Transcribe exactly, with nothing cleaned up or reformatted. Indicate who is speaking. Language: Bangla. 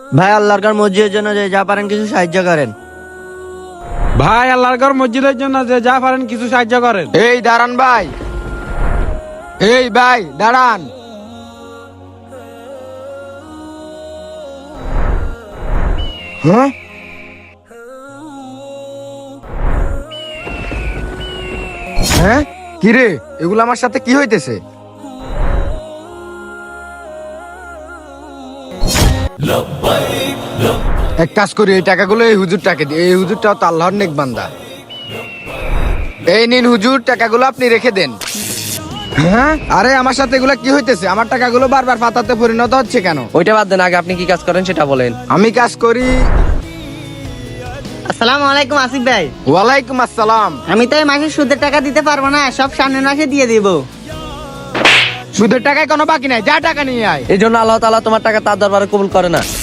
Speaker 1: ভাই আল্লাহর ঘর মসজিদের জন্য যে যা পারেন কিছু সাহায্য করেন।
Speaker 2: ভাই আল্লাহর ঘর মসজিদের জন্য যে যা পারেন কিছু সাহায্য করেন।
Speaker 3: এই দাঁড়ান ভাই, এই ভাই দাঁড়ান। হ্যাঁ, হ্যাঁ কিরে, এগুলো আমার সাথে কি হইতেছে? এক কাজ করি, এই টাকাগুলো এই হুজুরটাকে দিই। এই হুজুরটাও তো আল্লাহর নেক বান্দা। এই নিন হুজুর, টাকাগুলো আপনি রেখে দেন। হ্যাঁ, আরে আমার সাথে এগুলো কি হইতেছে? আমার টাকাগুলো বারবার পাতাতে পরিণত হচ্ছে কেন?
Speaker 4: ওইটা বাদ দেন, আগে আপনি কি কাজ করেন সেটা বলেন।
Speaker 3: আমি কাজ করি।
Speaker 5: আসসালামু আলাইকুম আসিফ ভাই।
Speaker 3: ওয়ালাইকুম আসসালাম।
Speaker 5: আমি তো এই মাসে সুদের টাকা দিতে পারবো না, সব সামনের মাসে দিয়ে দিব।
Speaker 3: সুদের টাকায় কোনো বাকি নাই, যা টাকা নিয়ে আয়।
Speaker 4: এই জন্য আল্লাহ তাআলা তোমার টাকা তার দরবারে কবুল করে না।